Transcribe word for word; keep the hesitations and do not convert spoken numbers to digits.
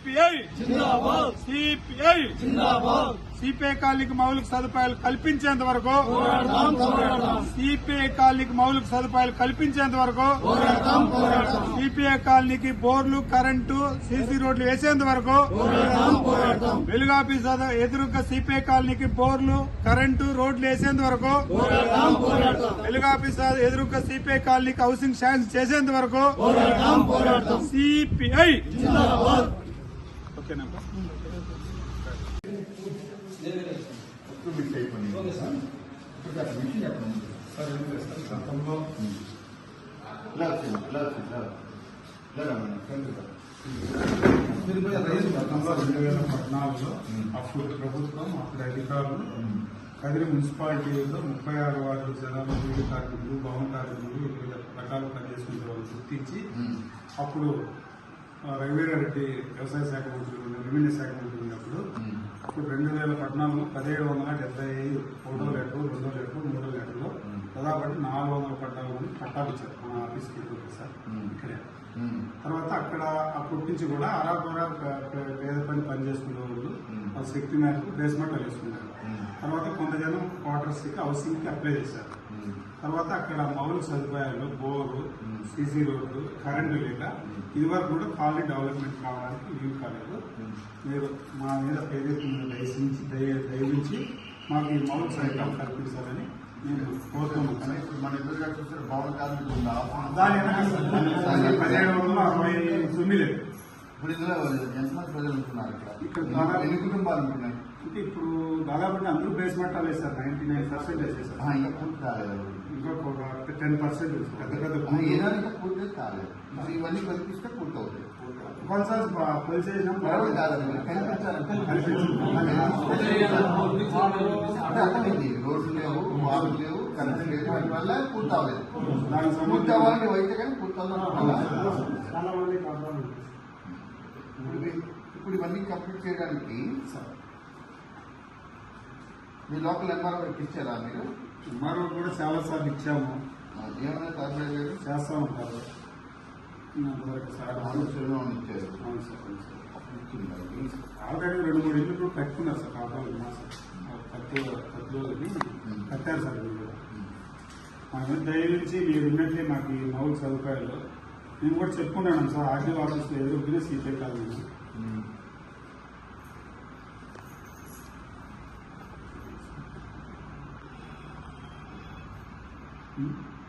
CPI CPI CPI కాలనీకి మౌలిక సదుపాయాలు కల్పించేంత వరకు సిపిఐ కాలనీకి మౌలిక సదుపాయాలు కల్పించేంత వరకు సిపిఐ కాలనీకి బోర్లు కరెంటు సీసీ రోడ్లు వేసేంత వరకు వెలుగు ఆఫీస్ ఎదురుగా సిపిఐ కాలనీకి బోర్లు కరెంటు రోడ్లు వేసేంత వరకు వెలుగు ఆఫీస్ ఎదురుగా సిపిఐ కాలనీకి హౌసింగ్ శాంక్షన్ చేసేంత వరకు సిపిఐ ఓకేనా రెండు వేల పద్నాలుగులో అప్పుడు ప్రభుత్వం అప్పుడు అధికారులు కదిరి మున్సిపాలిటీలో ముప్పై ఆరు వార్డు జనాలు వీడి కార్మికులు భవన కార్మికులు వివిధ రకాల పనిచేసుకునే వాళ్ళు గుర్తించి అప్పుడు రఘువీరారెడ్డి వ్యవసాయ శాఖ మంత్రి రెవెన్యూ శాఖ మంత్రి ఉన్నప్పుడు అప్పుడు రెండు వేల పద్నాలుగులో పదిహేడు వందల డెబ్బై ఐదు ఒకటో లీటరు రెండో లీటరు మూడో లీటర్లో దాదాపు నాలుగు వందల పట్టాలు మంది పట్టాలు ఇచ్చారు మన ఆఫీస్కి సార్ ఇక్కడే. తర్వాత అక్కడ అప్పటి నుంచి కూడా అరాకొరా పేద పని పని చేసుకునే వాళ్ళు వాళ్ళ శక్తి మేరకు బేస్మెంట్ వేసుకున్నారు. తర్వాత కొంత జనం క్వార్టర్స్ కి హౌసింగ్ కి అప్లై చేశారు. తర్వాత అక్కడ మౌలిక సదుపాయాలు బోరు సీసీ రోడ్లు కరెంటు లేక ఇదివరకు కూడా కాలనీ డెవలప్మెంట్ కావడానికి వీలు కాలేదు. మీరు మా మీద ఏదైతే దయచించి దయవించి మాకు ఈ మౌలిక సదుపాయాలు కల్పించాలని నేను కోరుతున్నాను. ఇప్పుడు మన ఎదురుగా చూస్తే భవన కార్మికులు దాని పదిహేడు వందల అరవై తొమ్మిది ఇప్పుడు ఇందులో ఎంతమంది ప్రజలు ఉంటున్నారు ఇక్కడ ఇక్కడ ఎన్ని కుటుంబాలు ఉంటున్నాయి? అంటే ఇప్పుడు దాదాపు అందరూ బేస్మెంట్ వేశారు. నైన్టీ నైన్ పర్సెంట్ వేసేసారు. ఇంకా పూర్తి కాలేదు. ఇంకొక టెన్ పర్సెంట్ పెద్ద పెద్ద ఏదైనా పూర్తి కాలేదు. ఇవన్నీ కల్పిస్తే పూర్తి అవుతాయి. కొన్నిసార్లు కొలిసేసిన రోడ్లు లేవు, వాటర్ లేవు, కరెంట్ లేవు, వాటి వల్ల పూర్తి అవ్వలేదు. పూర్తి అవ్వాలని అయితే కానీ పూర్తి చాలా మంది కావాలి. ఇప్పుడు ఇవన్నీ కంప్లీట్ చేయడానికి మీ లోకల్ ఎంఆర్ఓకి ఇచ్చారా మీరు? ఎంఆర్ఓ కూడా చాలా సార్లు ఇచ్చాము. ఏమైనా కార్పొరేట్ లేదు చేస్తా ఉంటారు. ఇచ్చారు. ఆల్రెడీ రెండు మూడు ఇల్లు కూడా కట్టుకున్నారు సార్. కావాలి కట్టు కట్టులోని కట్టారు సార్. మీరు మా మీద దయవించి మీరు ఉన్నట్లే మాకు ఈ మౌలిక సదుపాయాలు నేను కూడా చెప్పుకున్నాను సార్. ఆర్డీ ఆఫీస్లో ఎదురుకునే సీపీ కాదు. Hmm?